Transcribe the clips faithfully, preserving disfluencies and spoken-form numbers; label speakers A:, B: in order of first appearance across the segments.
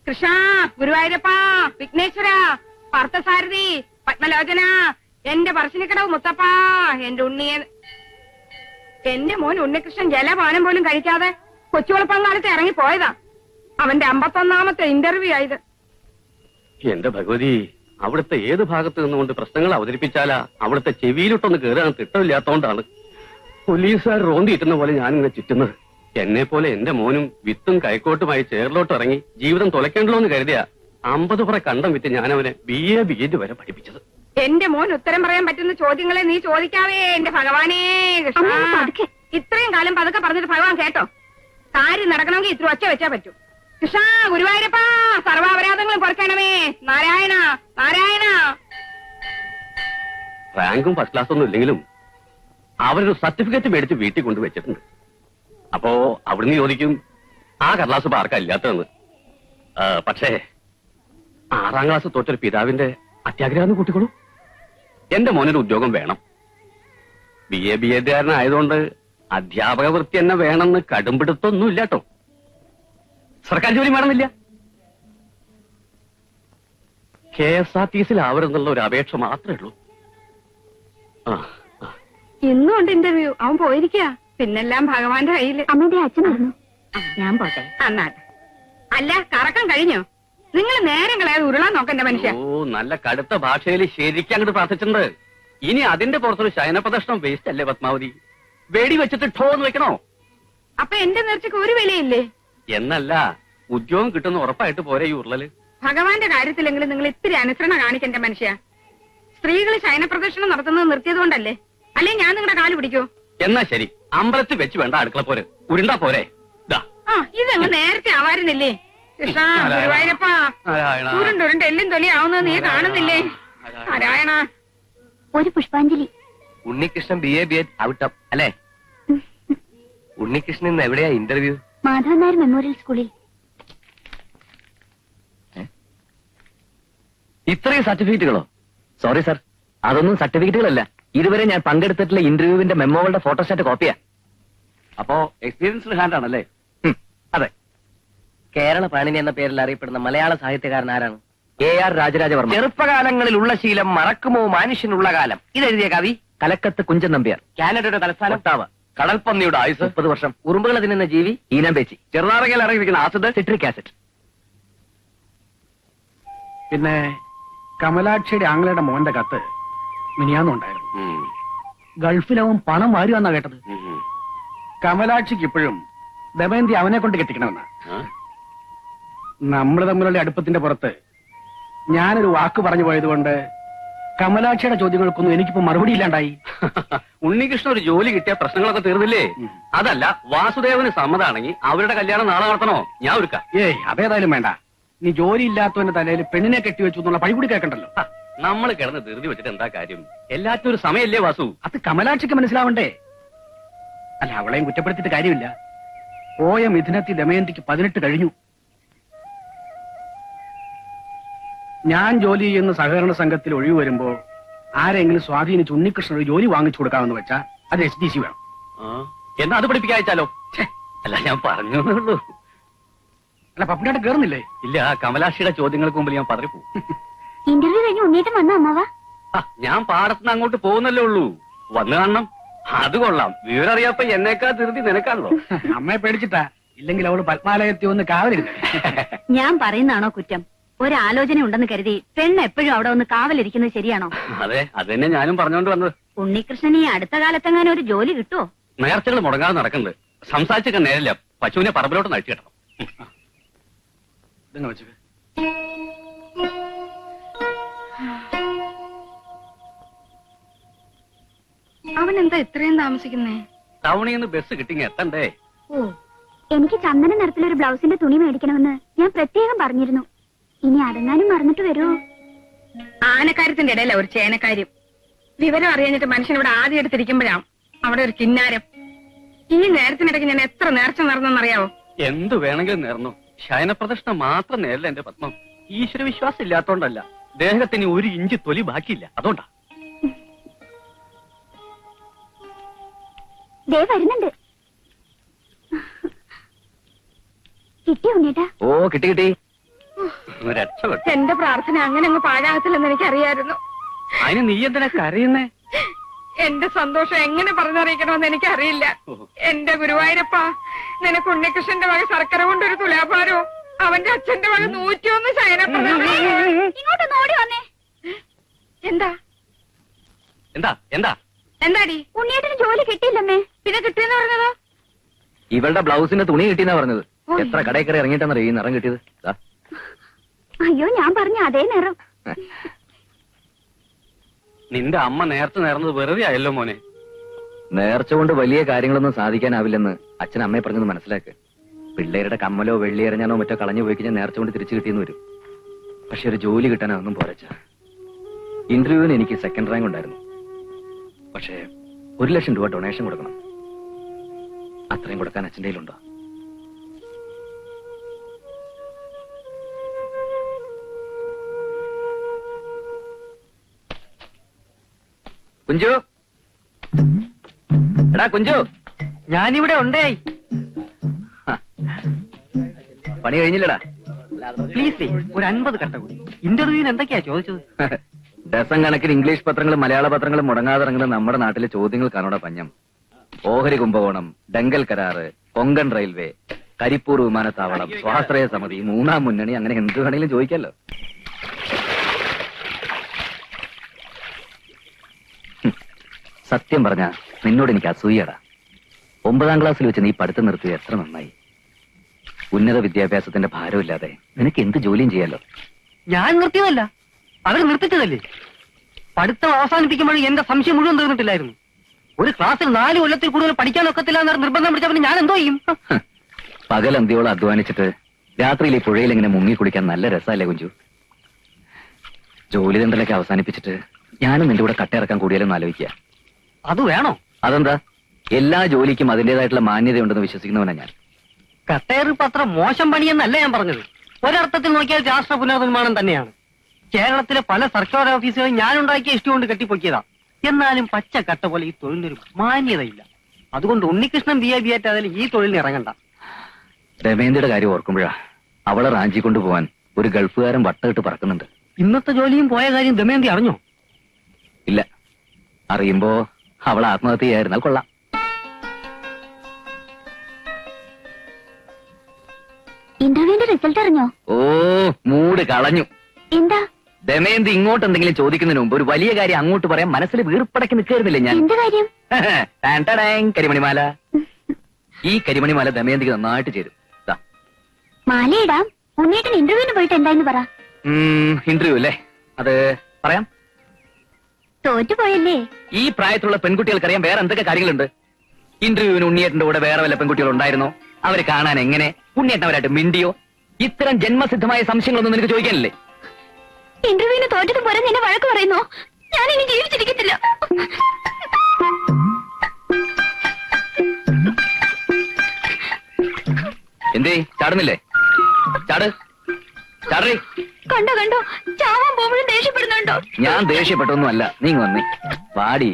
A: കൃഷ്ണ, ഗുരുവായൂരപ്പ, വിഘ്നേശ്വര, പാർത്ഥസാരഥി, പത്മലോചന, എന്റെ പറശ്ശിനിക്കടവ് മുത്തപ്പ, എന്റെ ഉണ്ണിയെ. എന്റെ മോൻ ഉണ്ണികൃഷ്ണൻ ജലപാനം പോലും കഴിക്കാതെ കൊച്ചുവളപ്പങ്കാലത്ത് ഇറങ്ങി പോയതാ. അവന്റെ അമ്പത്തൊന്നാമത്തെ ഇന്റർവ്യൂ ആയത്.
B: എന്റെ ഭഗവതി, അവിടുത്തെ ഏത് ഭാഗത്ത് നിന്നുകൊണ്ട് പ്രശ്നങ്ങൾ അവതരിപ്പിച്ചാലാ അവിടുത്തെ ചെവിയിലോട്ടൊന്ന് കയറാൻ തിട്ടമില്ലാത്തോണ്ടാണ് പോലീസുകാർ റോന്തിയിട്ടുന്ന പോലെ ഞാനിങ്ങനെ ചുറ്റുന്നത്. എന്നെ പോലെ എന്റെ മോനും വിത്തും കൈക്കോട്ടുമായി ചേറിലോട്ട് ഇറങ്ങി ജീവിതം തുലയ്ക്കണ്ടല്ലോ എന്ന് കരുതിയ അമ്പത് പുറ കണ്ടം വിറ്റ് ഞാൻ അവനെ ബി എ ബി എഡ് വരെ പഠിപ്പിച്ചത്.
A: എന്റെ മോൻ ഉത്തരം പറയാൻ പറ്റുന്ന ചോദ്യങ്ങളെ നീ ചോദിക്കാവേ എന്റെ ഭഗവാനേ. ഇത്രയും കാലം പതുക്കെ പറഞ്ഞിട്ട് ഭഗവാൻ കേട്ടോ. കാര്യം നടക്കണമെങ്കിൽ ഇത്ര ഒച്ച വെച്ചാ പറ്റൂ. കൃഷ്ണ, ഗുരുവായൂരപ്പ, സർവാപരാധങ്ങളും കുറയ്ക്കണമേ. നാരായണ നാരായണ.
B: റാങ്കും ഫസ്റ്റ് ക്ലാസ് ഒന്നും ഇല്ലെങ്കിലും അവരൊരു സർട്ടിഫിക്കറ്റ് മേടിച്ച് വീട്ടിൽ കൊണ്ടുവച്ചിട്ടുണ്ട്. അപ്പോ അവിടുന്ന് ചോദിക്കും ആ കടലാസ് ഇപ്പൊ ആർക്കാ ഇല്ലാത്തതെന്ന്. പക്ഷേ ആറാം ക്ലാസ് തൊട്ടൊരു പിതാവിന്റെ അത്യാഗ്രഹം കൂട്ടിക്കോളൂ. എന്റെ മോനൊരു ഉദ്യോഗം വേണം. ബി എ ബി എഡുകാരനായതുകൊണ്ട് അധ്യാപക വൃത്തി തന്നെ വേണമെന്ന് കടുംപിടുത്തൊന്നും ഇല്ലാട്ടോ. സർക്കാർ ജോലി വേണമെന്നില്ല. കെ എസ് ആർ ടി സിയിലാവരുന്നുള്ള ഒരു അപേക്ഷ മാത്രമേ ഉള്ളൂ. ആ
A: ഇന്നും ഉണ്ട് ഇന്റർവ്യൂ. അവൻ പോയിരിക്കുക. പിന്നെല്ലാം ഭഗവാന്റെ കയ്യില്.
C: അമ്മയുടെ അച്ഛനായിരുന്നു. ഞാൻ പോട്ടെ.
A: അന്നാട്ടെ. അല്ല, കറക്കം കഴിഞ്ഞോ? നിങ്ങൾ നേരം കളയാതെ ഉരുളാൻ നോക്കണ്ട മനുഷ്യ.
B: ഓ, നല്ല കടുത്ത ഭാഷയിൽ ശരിക്കും അങ്ങോട്ട് പ്രാർത്ഥിച്ചിട്ടുണ്ട്. ഇനി അതിന്റെ പുറത്തൊരു ശയനപ്രദർശനം വേസ്റ്റ് അല്ലേ പത്മാവതി? വെടി വെച്ചിട്ട് ഠോന്ന് വെക്കണോ?
A: അപ്പൊ എന്റെ നേർച്ചക്ക് ഒരു വിലയില്ലേ?
B: എന്നല്ല, ഉദ്യോഗം കിട്ടുന്ന ഉറപ്പായിട്ട് പോരെ ഈ ഉരുളല്.
A: ഭഗവാന്റെ കാര്യത്തിലെങ്കിലും നിങ്ങൾ ഇത്തിരി അനുസരണ കാണിക്കണ്ട മനുഷ്യ. സ്ത്രീകൾ ശയനപ്രദർശനം നടത്തുന്നത് നിർത്തിയത് കൊണ്ടല്ലേ? അല്ലെ ഞാൻ നിങ്ങളുടെ കാല് പിടിക്കോ?
B: എന്നാ ശരി, അമ്പലത്തിൽ വെച്ച് വേണ്ട അടുക്കള പോരെ, ഉരുണ്ടാ പോരെ.
A: ആ, ഇതങ്ങ് നേരത്തെ ആവാരുന്നില്ലേ? കൃഷ്ണ, ഗുരുവായൂരപ്പ, ഉരുണ്ടുരുണ്ട് എല്ലും തൊലിയാവുന്നത് നീ കാണുന്നില്ലേ? നാരായണ.
C: ഒരു പുഷ്പാഞ്ജലി.
D: Unnikrishnan B A B Ed out of അല്ലേ? ഉണ്ണികൃഷ്ണൻ ഇന്ന് എവിടെയാ ഇന്റർവ്യൂ?
C: മാധവൻ നായർ മെമ്മോറിയൽ സ്കൂളിൽ.
D: ഇത്രയും സർട്ടിഫിക്കറ്റുകളോ? സോറി സർ, അതൊന്നും സർട്ടിഫിക്കറ്റുകളല്ല. ഇതുവരെ ഞാൻ പങ്കെടുത്തിട്ടുള്ള ഇന്റർവ്യൂവിന്റെ മെമ്മോകളുടെ ഫോട്ടോസ്റ്റാറ്റ് കോപ്പിയാ.
B: അപ്പോ എക്സ്പീരിയൻസ്ഡ് ഹാൻഡ് ആണല്ലേ?
D: അതെ. കേരള പാണിനി എന്ന പേരിൽ അറിയപ്പെടുന്ന മലയാള സാഹിത്യകാരൻ ആരാണ്? A R Raja Raja Varma. ചെറുപ്പകാലങ്ങളിൽ ഉള്ള ശീലം മറക്കുമോ മനുഷ്യനുള്ള കാലം. ഇതെഴുതിയ കവി കലക്കത്ത് കുഞ്ചൻ നമ്പ്യാർ. കാനഡയുടെ തലസ്ഥാനം ഒട്ടാവ. കടൽപ്പന്നിയുടെ ആയുസ് മുപ്പത് വർഷം. ഉറുമ്പുകൾ തിന്നുന്ന ജീവി ഈനാമ്പേച്ചി. ചെറുനാറകയിൽ ഇറങ്ങിയിരിക്കുന്ന ആസിഡ് സിട്രിക് ആസിഡ്.
E: പിന്നെ കമലാക്ഷിയുടെ ആംഗ്ലയുടെ മോന്റെ കത്ത് മിനിയാന്നുണ്ടായിരുന്നു. ഗൾഫിലവൻ പണം വാരുവാന്നാ കേട്ടത്. കമലാക്ഷിക്ക് ഇപ്പോഴും ദമയന്തി അവനെ കൊണ്ട് കെട്ടിക്കണമെന്നാ. നമ്മൾ തമ്മിലുള്ള അടുപ്പത്തിന്റെ പുറത്ത് ഞാനൊരു വാക്ക് പറഞ്ഞു പോയതുകൊണ്ട് കമലാക്ഷിയുടെ ചോദ്യങ്ങൾക്കൊന്നും എനിക്കിപ്പോ മറുപടി ഇല്ലാണ്ടായി.
B: ഉണ്ണികൃഷ്ണൻ ഒരു ജോലി കിട്ടിയ പ്രശ്നങ്ങളൊക്കെ തീർന്നില്ലേ? അതല്ല, വാസുദേവന് സമ്മതാണെങ്കിൽ അവരുടെ കല്യാണം നാളെ നടത്തണോ? ഞാൻ ഒരുക്കാം.
E: ഏയ്, അതേതായാലും വേണ്ട. നീ ജോലി ഇല്ലാത്തവന്റെ തലയിൽ പെണ്ണിനെ കെട്ടിവെച്ചു എന്നുള്ള പഴി കൂടി കേൾക്കണ്ടല്ലോ.
B: നമ്മൾ കിടന്ന് ധൃതി വെച്ചിട്ട് എന്താ കാര്യം? എല്ലാത്തിനും ഒരു സമയല്ലേ വാസു?
E: അത് കമലാക്ഷിക്ക് മനസ്സിലാവണ്ടേ? അല്ല, അവളെയും കുറ്റപ്പെടുത്തിയിട്ട് കാര്യമില്ല. പോയ മിഥുനത്തി ദമയന്തിക്ക് പതിനെട്ട് കഴിഞ്ഞു. ഞാൻ ജോലി ചെയ്യുന്ന സഹകരണ സംഘത്തിൽ ഒഴിവ് വരുമ്പോ ആരെങ്കിലും സ്വാധീനിച്ച് ഉണ്ണികൃഷ്ണൻ ഒരു ജോലി വാങ്ങിച്ചു കൊടുക്കാമെന്ന് വെച്ചാ അത് എസ് ഡി സി വേണം.
B: എന്നാ അത് പഠിപ്പിക്കാച്ചാലോ? അല്ല, ഞാൻ പറഞ്ഞു.
E: അല്ല, പപ്പിനായിട്ട് കേറുന്നില്ലേ?
B: ഇല്ല, കമലാക്ഷിയുടെ ചോദ്യങ്ങൾക്ക് മുമ്പിൽ ഞാൻ പതറിപ്പോ.
C: ഇന്റർവ്യൂ കഴിഞ്ഞ് ഉണ്ണീറ്റം വന്ന അമ്മവാ.
B: ഞാൻ പാടത്തുനിന്ന് അങ്ങോട്ട് പോകുന്നല്ലേ ഉള്ളൂ. വന്നു കാണണം. അത് കൊള്ളാം. വിവരം അറിയാപ്പ എന്നേക്കാ ധൃതി നിനക്കാണല്ലോ.
E: അമ്മയെ പേടിച്ചിട്ടാ. ഇല്ലെങ്കിൽ അവള് പത്മാലയത്തി ഒന്ന് കാവലിരുന്നു.
C: ഞാൻ പറയുന്നതാണോ കുറ്റം? ഒരാലോചന ഉണ്ടെന്ന് കരുതി പെണ്ണ് എപ്പോഴും അവിടെ ഒന്ന് കാവലിരിക്കുന്നത് ശരിയാണോ?
B: അതെ, അത് തന്നെ ഞാനും പറഞ്ഞോണ്ട് വന്നത്.
C: ഉണ്ണികൃഷ്ണൻ ഈ അടുത്ത കാലത്തെങ്ങാനും ഒരു ജോലി കിട്ടുമോ?
B: നേർച്ചകൾ മുടങ്ങാതെ നടക്കുന്നുണ്ട്. സംസാരിച്ചൊക്കെ നേരില്ല. പശുവിനെ പറമ്പിലോട്ട് നഴിച്ചു കിട്ടണം.
A: അവൻ എന്താ ഇത്രയും താമസിക്കുന്നേ?
B: ടൗണിൽ നിന്ന് ബസ് കിട്ടിങ്ങ എത്തണ്ടേ?
C: ഓ, എനിക്ക് ചന്ദന നിറത്തിലൊരു ബ്ലൗസിന്റെ തുണി മേടിക്കണമെന്ന് ഞാൻ പ്രത്യേകം പറഞ്ഞിരുന്നു. ഇനി അടങ്ങാനും മറന്നിട്ട് വരുമോ?
A: ആനക്കാര്യത്തിന്റെ ഇടയില ഒരു ചേനക്കാര്യം. വിവരം അറിയാഞ്ഞിട്ട് മനുഷ്യൻ ഇവിടെ ആദ്യം എടുത്തിരിക്കുമ്പോഴാണ് അവിടെ ഒരു കിന്നാരം. ഈ നേരത്തിനിടയ്ക്ക് ഞാൻ എത്ര നേർച്ച നടന്നെന്നറിയാവോ?
B: എന്തു വേണമെങ്കിലും നേർന്നു. ശയനപ്രദർശനം മാത്രം നേരില്ല എന്റെ പത്മം. ഈശ്വര വിശ്വാസം ഇല്ലാത്തോണ്ടല്ല, ദേഹത്തിന് ഒരു ഇഞ്ച് തൊലി ബാക്കിയില്ല, അതുകൊണ്ടാ.
C: ദേ വരുന്നുണ്ട്. കിട്ടിയോ ഉണ്ണേട്ടാ?
D: ഓ, കിട്ടി കിട്ടി.
B: രക്ഷപ്പെട്ടു.
A: എന്റെ പ്രാർത്ഥന അങ്ങനെ അങ്ങ് പാഴാകത്തില്ലെന്ന് എനിക്കറിയായിരുന്നു.
B: അതിന് നീ എന്തിനാ കരയുന്നേ?
A: എന്റെ സന്തോഷം എങ്ങനെ പറഞ്ഞറിയിക്കണമെന്ന് എനിക്കറിയില്ല. എന്റെ ഗുരുവായൂരപ്പ, നിനക്ക് ഉണ്ണികൃഷ്ണന്റെ വക ശർക്കര കൊണ്ടൊരു തുലാഭാരവും അവന്റെ അച്ഛന്റെ വക നൂറ്റിയൊന്ന് ശയനപ്രദം.
C: ഇങ്ങോട്ടൊന്ന് ഓടി വന്നേ.
A: എന്താ
B: എന്താ എന്താ
A: എന്താടി?
C: ഉണ്ണിയേട്ടന് ജോലി കിട്ടിയില്ലമ്മേ.
A: പിന്നെ കിട്ടിയെന്ന് പറഞ്ഞതോ?
D: ഇവളുടെ ബ്ലൗസിന്റെ തുണി കിട്ടിയെന്നാ പറഞ്ഞത്. എത്ര കടയിൽ കയറി ഇറങ്ങിയിട്ടാന്നറിയോ ഈ നിറം കിട്ടിയത്? ദാ.
C: അയ്യോ, ഞാൻ പറഞ്ഞ അതേ നിറം.
B: നിന്റെ അമ്മ നേരത്തെ നേർന്നത് വെറുതെ ആയല്ലോ മോനെ.
D: നേർച്ച കൊണ്ട് വലിയ കാര്യങ്ങളൊന്നും സാധിക്കാനാവില്ലെന്ന് അച്ഛൻ അമ്മയെ പറഞ്ഞത് മനസ്സിലാക്ക്. പിള്ളേരുടെ കമ്മലോ വെള്ളി എറിഞ്ഞാനോ മറ്റോ കളഞ്ഞു പോയി കഴിഞ്ഞാൽ നേർച്ച കൊണ്ട് തിരിച്ചു കിട്ടിയെന്ന് വരും. പക്ഷെ ഒരു ജോലി കിട്ടാൻ അതൊന്നും പോരച്ച. ഇന്റർവ്യൂവിന് എനിക്ക് സെക്കൻഡ് റാങ്ക് ഉണ്ടായിരുന്നു. പക്ഷേ ഒരു ലക്ഷം രൂപ ഡൊണേഷൻ കൊടുക്കണം. അത്രയും കൊടുക്കാൻ അച്ഛൻ്റെ കയ്യിലുണ്ടോ? കുഞ്ചു, എടാ കുഞ്ചു,
E: ഞാനിവിടെ ഉണ്ടേ.
D: പണി കഴിഞ്ഞില്ലടാ.
E: പ്ലീസ് ഒരു അൻപത് കട്ട കൂടി. ഇന്റർവ്യൂവിന് എന്തൊക്കെയാ ചോദിച്ചത്?
D: ഡസൻ കണക്കിന് ഇംഗ്ലീഷ് പത്രങ്ങളും മലയാള പത്രങ്ങളും മുടങ്ങാതെ ഇറങ്ങുന്ന നമ്മുടെ നാട്ടിലെ ചോദ്യങ്ങൾ കാണോടെ പഞ്ഞം. ഓഹരി കുംഭകോണം, ഡെങ്കൽ കരാറ്, കൊങ്കൺ റെയിൽവേ, കരിപ്പൂർ വിമാനത്താവളം, സ്വാശ്രയ സമിതി, മൂന്നാം മുന്നണി, അങ്ങനെ എന്ത് വേണമെങ്കിലും ചോദിക്കാലോ. സത്യം പറഞ്ഞ നിന്നോട് എനിക്ക് അസൂയടാ. ഒമ്പതാം ക്ലാസ്സിൽ വെച്ച് നീ പഠിത്തം നിർത്തിയത് എത്ര നന്നായി. ഉന്നത വിദ്യാഭ്യാസത്തിന്റെ ഭാരമില്ലാതെ നിനക്ക് എന്ത് ജോലിയും ചെയ്യാലോ.
E: ഞാൻ നിർത്തിയതല്ല, അവർ നിർത്തിച്ചതല്ലേ. പഠിത്തം അവസാനിപ്പിക്കുമ്പോഴും എന്റെ സംശയം മുഴുവൻ തീർന്നിട്ടില്ലായിരുന്നു. ഒരു ക്ലാസ്സിൽ നാല് കൊല്ലത്തിൽ കൂടുതൽ പഠിക്കാനൊക്കത്തില്ല എന്ന് നിർബന്ധം പിടിച്ചപ്പോൾ ഞാൻ എന്തോ ചെയ്യും?
D: പകൽ അന്തിയോളം അധ്വാനിച്ചിട്ട് രാത്രിയിൽ ഈ പുഴയിൽ ഇങ്ങനെ മുങ്ങി കുളിക്കാൻ നല്ല രസമല്ലേ കുഞ്ചു? ജോലി തണ്ടലൊക്കെ അവസാനിപ്പിച്ചിട്ട് ഞാനും നിന്റെ കൂടെ കട്ടയിറക്കാൻ കൂടിയാലും ആലോചിക്കുക.
E: അത് വേണോ?
D: അതെന്താ? എല്ലാ ജോലിക്കും അതിന്റേതായിട്ടുള്ള മാന്യതയുണ്ടെന്ന് വിശ്വസിക്കുന്നവനാ ഞാൻ.
E: കട്ടേറി പത്ര മോശം പണിയെന്നല്ല ഞാൻ പറഞ്ഞത്. ഒരർത്ഥത്തിൽ നോക്കിയാൽ രാഷ്ട്ര പുനർനിർമ്മാണം തന്നെയാണ്. കേരളത്തിലെ പല സർക്കാർ ഓഫീസുകളും ഞാൻ ഉണ്ടാക്കിയ ഇഷ്ടം കൊണ്ട് കെട്ടിപ്പൊക്കിയതാ. എന്നാലും പച്ച കട്ട പോലെ ഈ തൊഴിലിനൊരു മാന്യതയില്ല. അതുകൊണ്ട് ഉണ്ണികൃഷ്ണൻ ബി എ ബി ആയിട്ടായാലും ഈ തൊഴിലിന് ഇറങ്ങണ്ട.
D: രമേന്ദ്രയുടെ കാര്യം ഓർക്കുമ്പോഴാ അവളെ റാഞ്ചി കൊണ്ടുപോവാൻ ഒരു ഗൾഫുകാരൻ വട്ടമിട്ട് പറക്കുന്നുണ്ട്.
E: ഇന്നത്തെ ജോലിയും പോയ കാര്യം ദമയന്തി അറിഞ്ഞോ?
D: ഇല്ല. അറിയുമ്പോ അവൾ ആത്മഹത്യ ചെയ്യായിരുന്നാൽ കൊള്ളാം.
C: ഇന്റർവ്യൂവിന്റെ റിസൾട്ട് അറിഞ്ഞോ?
D: ഓ, മൂട് കളഞ്ഞു.
C: എന്താ?
D: ദമയന്തി ഇങ്ങോട്ട് എന്തെങ്കിലും ചോദിക്കുന്നതിന് മുമ്പ് ഒരു വലിയ കാര്യം അങ്ങോട്ട് പറയാൻ മനസ്സിൽ വീർപ്പടക്കി നിൽക്കായിരുന്നില്ലേ ഞാൻ?
C: എന്ത് കാര്യം?
D: ടാൻ ടാടാങ്, കരിമണിമാല. ഈ കരിമണിമാല ദമയന്തിക്ക് നന്നായിട്ട് ചേരും. ദാ.
C: മാലയിടാം. ഉണ്ണിയേട്ടൻ ഇന്റർവ്യൂവിന് പോയിട്ട് എന്തായെന്ന് പറ.
D: ഇന്റർവ്യൂ അല്ലേ? അത് പറയാം.
C: തോറ്റുപോയല്ലേ?
D: ഈ പ്രായത്തിലുള്ള പെൺകുട്ടികൾക്കറിയാം വേറെ എന്തൊക്കെ കാര്യങ്ങളുണ്ട്. ഇന്റർവ്യൂവിന് ഉണ്ണിയേട്ടന്റെ കൂടെ വേറെ വല്ല പെൺകുട്ടികൾ ഉണ്ടായിരുന്നോ? അവരെ കാണാൻ എങ്ങനെ? ഉണ്ണിയേട്ടൻ അവരായിട്ട് മിണ്ടിയോ? ഇത്തരം ജന്മസിദ്ധമായ സംശയങ്ങളൊന്നും നിനക്ക് ചോദിക്കാനില്ലേ?
C: ഇന്റർവ്യൂവിന് തോറ്റത് പോലെ നിന്നെ വഴക്ക് പറയുന്നോ? ഞാൻ ഇനി ജീവിച്ചിരിക്കത്തില്ല.
D: എന്തേ ചാടുന്നില്ലേ? ചാട് ചാടേ.
C: കണ്ടോ കണ്ടോ, ചാവാൻ പോകുമ്പോഴും ദേഷ്യപ്പെടുന്നുണ്ടോ?
D: ഞാൻ ദേഷ്യപ്പെട്ടൊന്നും അല്ല. നീ വന്നേ പാടി.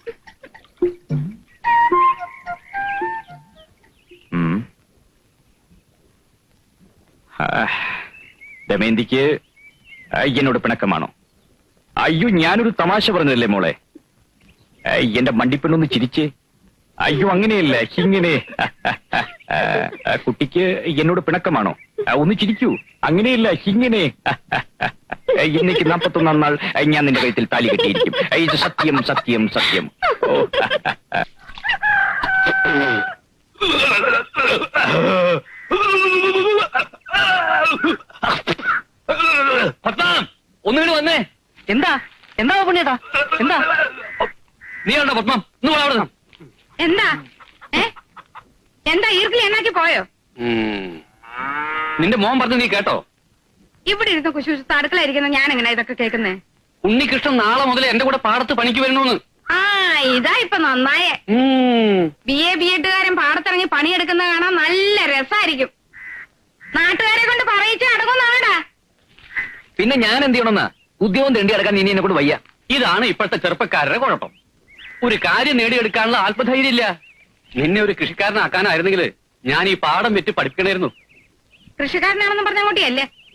D: ദമയന്തിക്ക് എന്നോട് പിണക്കമാണോ? അയ്യോ, ഞാനൊരു തമാശ പറഞ്ഞതല്ലേ മോളെ. എന്റെ മണ്ടിപ്പെണ്ണൊന്ന് ചിരിച്ചേ. അയ്യോ, അങ്ങനെയല്ല, ഇങ്ങനെ. കുട്ടിക്ക് എന്നോട് പിണക്കമാണോ? ഒന്ന് ചിരിക്കൂ. അങ്ങനെയല്ല, ഇങ്ങനെ. ഇന്നേക്ക് നാപ്പത്തൊന്നാം നാൾ ഞാൻ നിന്റെ കഴുത്തിൽ താലി കെട്ടിയിരിക്കും. ഇത് സത്യം സത്യം സത്യം. ഓ. ഒന്നുകൂടി വന്നേ.
E: എന്താ എന്താ പുണ്യേട്ടാ? എന്താ?
D: നീ ഉണ്ടോ പത്മം? അവിടെ
A: എന്താ? ഏ എന്താ ഈർക്കിൽ എന്നാക്കി പോയോ?
B: നിന്റെ മോൻ പറഞ്ഞു നീ കേട്ടോ?
A: ഇവിടെ ഇരുന്ന് കുശുശുത്ത് അടുക്കളയിരിക്കുന്ന ഞാൻ എങ്ങനെ ഇതൊക്കെ കേൾക്കുന്നേ?
B: ഉണ്ണികൃഷ്ണൻ നാളെ മുതൽ എന്റെ കൂടെ പാടത്ത് പണിക്ക് വരണമെന്ന്.
A: ആ, ഇതാ ഇപ്പൊ നന്നായേ. ബി എ ബി എട്ടുകാരൻ പാടത്തിറങ്ങി പണിയെടുക്കുന്ന കാണാൻ നല്ല രസായിരിക്കും. നാട്ടുകാരെ കൊണ്ട് പറയിച്ച് അടങ്ങുന്നാടാ.
D: പിന്നെ ഞാൻ എന്ത് ചെയ്യണമെന്നാ? ഉദ്യോഗം തേണ്ടി അടക്കാൻ ഇനി എന്നെ കൂടെ വയ്യ.
B: ഇതാണ് ഇപ്പോഴത്തെ ചെറുപ്പക്കാരുടെ കുഴപ്പം. ഒരു കാര്യം നേടിയെടുക്കാനുള്ള ആത്മധൈര്യം ഇല്ല. നിന്നെ ഒരു കൃഷിക്കാരനാക്കാനായിരുന്നെങ്കിൽ ഞാൻ ഈ പാടം വെച്ച് പഠിപ്പിക്കണമായിരുന്നു.
A: കൃഷിക്കാരനാണെന്ന് പറഞ്ഞ അങ്ങോട്ടിയല്ലേ?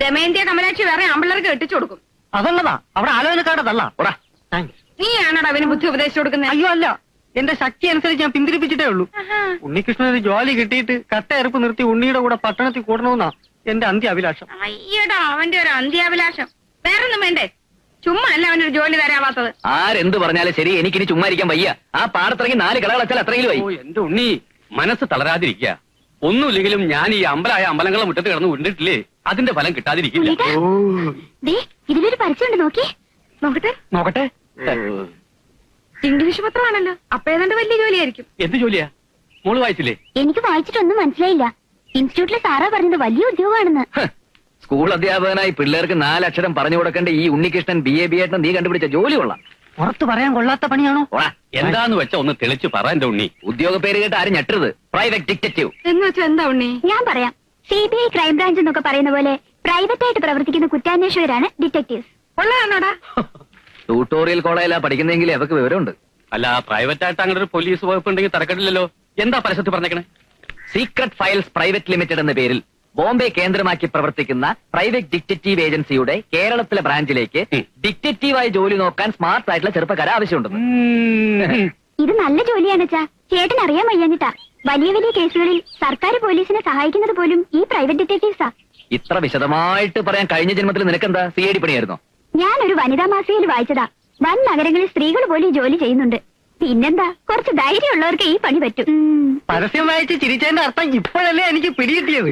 A: ദമയന്തിയ കമലാക്ഷി വേറെ ആമ്പിള്ളേർക്ക് കെട്ടിച്ചു കൊടുക്കും.
E: അതുള്ളതാ അവിടെ ആലോചനക്കാരതല്ല.
B: താങ്ക്സ്.
A: നീയാണോടാ അവന് ബുദ്ധി ഉപദേശിച്ചു കൊടുക്കുന്നത്?
E: അയ്യോ അല്ല, എന്റെ ശക്തി അനുസരിച്ച് ഞാൻ പിന്തിരിപ്പിച്ചിട്ടേ ഉള്ളൂ. ഉണ്ണികൃഷ്ണൻ ഒരു ജോലി കിട്ടിയിട്ട് കട്ടയെറുപ്പ് നിർത്തി ഉണ്ണിയുടെ കൂടെ പട്ടണത്തിൽ കൂടണമെന്നാ എന്റെ അന്ത്യ അഭിലാഷം.
A: അയ്യടാ അവന്റെ ഒരു അന്ത്യാഭിലാഷം. വേറൊന്നും വേണ്ടേ? ചുമ്മാ അല്ല അവനൊരു ജോലി തരാവാത്തത്.
D: ആരെന്ത് പറഞ്ഞാലും ശരി, എനിക്കിനി ചുമ്മാ ഇരിക്കാൻ വയ്യ. ആ പാടത്തിറങ്ങി നാല് കളകളച്ചാൽ അത്രയും
B: ഓ എന്റെ ഉണ്ണി, മനസ്സ് തളരാതിരിക്കുക. ഒന്നുമില്ലെങ്കിലും ഞാൻ ഈ അമ്പലായ അമ്പലങ്ങളെ മുറ്റത്ത് കിടന്ന് ഉണ്ടിട്ടില്ലേ, അതിന്റെ ഫലം കിട്ടാതിരിക്കില്ല.
C: ദേ, ഇതിലൊരു പരസ്യമുണ്ട്, നോക്കി.
A: നോക്കട്ടെ
B: നോക്കട്ടെ.
A: ഇംഗ്ലീഷ് പത്രമാണല്ലോ, അപ്പൊ ഏതാണ്ട് വലിയ ജോലിയായിരിക്കും.
B: എന്ത് ജോലിയാ? മോള് വായിച്ചില്ലേ?
C: എനിക്ക് വായിച്ചിട്ടൊന്നും മനസ്സിലായില്ല. ഇൻസ്റ്റിറ്റ്യൂട്ടിലെ സാറാ പറഞ്ഞത് വലിയ ഉദ്യോഗമാണെന്ന്.
D: സ്കൂൾ അധ്യാപകനായി പിള്ളേർക്ക് നാലക്ഷരം പറഞ്ഞു കൊടുക്കേണ്ട ഈ ഉണ്ണികൃഷ്ണൻ ബി എ ബി ആയിട്ട് നീ കണ്ടുപിടിച്ച ജോലി കൊള്ളാം.
E: പുറത്ത് പറയാൻ കൊള്ളാത്ത പണിയാണോ?
B: എന്താന്ന് വെച്ചാ ഒന്ന് തെളിച്ച് പറ എന്റെ ഉണ്ണി.
D: ഉദ്യോഗ പേര് കേട്ട് ആരും ഞെട്ടരുത്. പ്രൈവറ്റ് ഡിറ്റക്റ്റീവ്
A: എന്ന് വെച്ചാ എന്താ ഉണ്ണി?
C: ഞാൻ പറയാം. സി ബി ഐ ക്രൈംബ്രാഞ്ച് എന്നൊക്കെ പറയുന്ന പോലെ പ്രൈവറ്റ് ആയിട്ട് പ്രവർത്തിക്കുന്ന കുറ്റാന്വേഷകരാണ് ഡിറ്റക്ടീവ്സ്.
A: ഉള്ളതാണോടാ?
D: ട്യൂട്ടോറിയൽ കോളേജിലാ പഠിക്കുന്നെങ്കിൽ അവർക്ക് വിവരമുണ്ട്.
B: അല്ല, പ്രൈവറ്റ് ആയിട്ട് അങ്ങനെ ഒരു പോലീസ് വകുപ്പ് ഉണ്ടെങ്കിൽ തരക്കെട്ടില്ലല്ലോ. എന്താ പരസ്യത്തിൽ പറഞ്ഞേക്കണേ?
D: സീക്രട്ട് ഫയൽസ് പ്രൈവറ്റ് ലിമിറ്റഡ് എന്ന പേരിൽ ബോംബെ കേന്ദ്രമാക്കി പ്രവർത്തിക്കുന്ന പ്രൈവറ്റ് ഡിറ്റക്റ്റീവ് ഏജൻസിയുടെ കേരളത്തിലെ ബ്രാഞ്ചിലേക്ക് ഡിറ്റക്റ്റീവായി ജോലി നോക്കാൻ സ്മാർട്ട് ആയിട്ടുള്ള ചെറുപ്പക്കാരെ ആവശ്യമുണ്ടെന്ന്.
C: ഇത് നല്ല ജോലിയാണ് ചാ. ചേട്ടൻ അറിയാൻ വയ്യാഞ്ഞിട്ടാ. വലിയ വലിയ കേസുകളിൽ സർക്കാർ പോലീസിനെ സഹായിക്കുന്നത് പോലും ഈ പ്രൈവറ്റ് ഡിറ്റക്ടീവ്സാ.
D: ഇത്ര വിശദമായിട്ട് പറയാൻ കഴിഞ്ഞ ജന്മത്തിൽ നിനക്കെന്താ സി ഐ ഡി പണിയായിരുന്നോ?
C: ഞാനൊരു വനിതാ മാസികയിൽ വായിച്ചതാ. വൻ നഗരങ്ങളിൽ സ്ത്രീകൾ പോലും ഈ ജോലി ചെയ്യുന്നുണ്ട്. പിന്നെന്താ, കുറച്ച് ധൈര്യമുള്ളവർക്ക് ഈ പണി പറ്റും.
E: പരസ്യം വായിച്ച് ചിരിച്ചതിന്റെ അർത്ഥം ഇപ്പോഴല്ലേ എനിക്ക് പിടികിട്ടിയത്.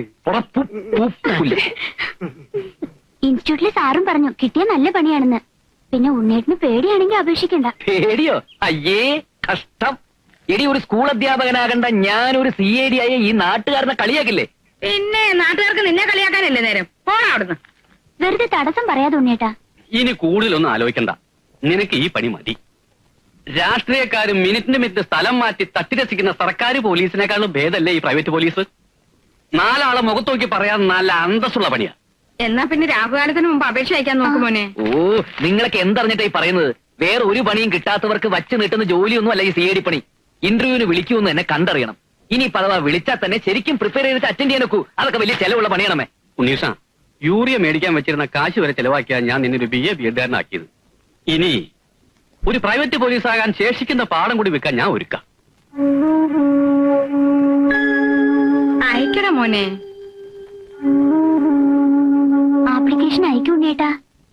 C: ഇൻസ്റ്റിറ്റ്യൂട്ടിലെ സാറും പറഞ്ഞു കിട്ടിയ നല്ല പണിയാണെന്ന്. പിന്നെ ഉണ്ണേട്ടിന് പേടിയാണെങ്കിൽ അപേക്ഷിക്കണ്ട.
D: പേടിയോ? അയ്യേ കഷ്ടം. എടി, ഒരു സ്കൂൾ അധ്യാപകനാകണ്ട ഞാനൊരു സി ഐ ഡി ആയ ഈ നാട്ടുകാരനെ കളിയാക്കില്ലേ?
A: പിന്നെ നാട്ടുകാർക്ക് നിന്നെ കളിയാക്കാനല്ലേ നേരം. പോടാ അവിടുന്ന്.
C: വെറുതെ തടസ്സം പറയാതെ ഉണ്ണേട്ടാ.
B: ഇനി കൂടുതലൊന്നും ആലോചിക്കണ്ട. നിനക്ക് ഈ പണി മതി. രാഷ്ട്രീയക്കാരും മിനിറ്റിന് മിനിറ്റ് സ്ഥലം മാറ്റി തട്ടിരസിക്കുന്ന സർക്കാർ പോലീസിനേക്കാളും ഭേദമല്ലേ ഈ പ്രൈവറ്റ് പോലീസ്? നാലാളെ മുഖത്തോക്കി പറയാൻ നല്ല അന്തസ്സുള്ള പണിയാ.
A: എന്നാ പിന്നെ രാഹുകാലത്തിന് മുമ്പ് അപേക്ഷ അയക്കാൻ നോക്കുമോനെ.
D: ഓ, നിങ്ങളൊക്കെ എന്തറിഞ്ഞിട്ടായി പറയുന്നത്? വേറെ ഒരു പണിയും കിട്ടാത്തവർക്ക് വച്ച് നീട്ടുന്ന ജോലിയൊന്നും അല്ല ഈ സി ഐ ഡി പണി. ഇന്റർവ്യൂവിന് വിളിക്കുമെന്ന് എന്നെ കണ്ടറിയണം. ഇനി പദവ വിളിച്ചാൽ തന്നെ ശരിക്കും പ്രിപ്പയർ ചെയ്തിട്ട് അറ്റൻഡ് ചെയ്യാൻ നോക്കൂ. അതൊക്കെ വലിയ ചെലവുള്ള പണിയാണമേ.
B: ഉണ്ണീഷ, യൂറിയ മേടിക്കാൻ വെച്ചിരുന്ന കാശ് വരെ ചെലവാക്കിയാൽ ഞാൻ നിന്നൊരു ബി എ ബി എഡ്കാരനാക്കിയത്. ഇനി ഒരു പ്രൈവറ്റ് പോലീസാകാൻ ശേഷിക്കുന്ന പാഠം കൂടി വെക്കാൻ ഞാൻ ഒരുക്കാം.
A: അയക്കട മോനെ.
C: ആപ്ലിക്കേഷൻ അയക്കും ഉണ്ണേട്ടാ.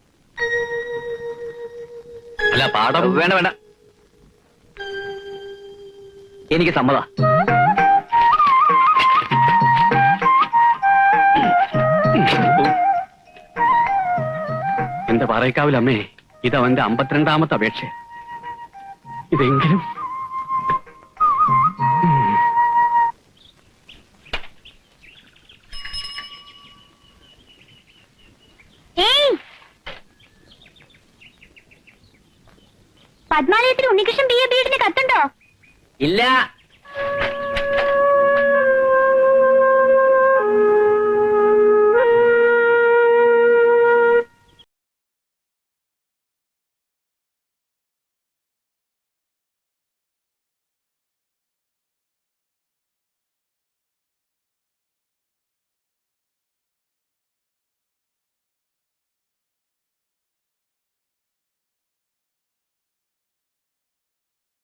B: അല്ല, പാഠം
D: വേണ്ട വേണ്ട, എനിക്ക് സമ്മത.
B: എന്റെ പാറയ്ക്കാവിലമ്മേ, ഇതവന്റെ അമ്പത്തിരണ്ടാമത്തെ അപേക്ഷ. ഇതെങ്കിലും
C: പത്മാലയത്തിൽ ഉണ്ണികൃഷ്ണൻ ബി എ ബി എഡിന് കത്തുണ്ടോ?
D: ഇല്ല,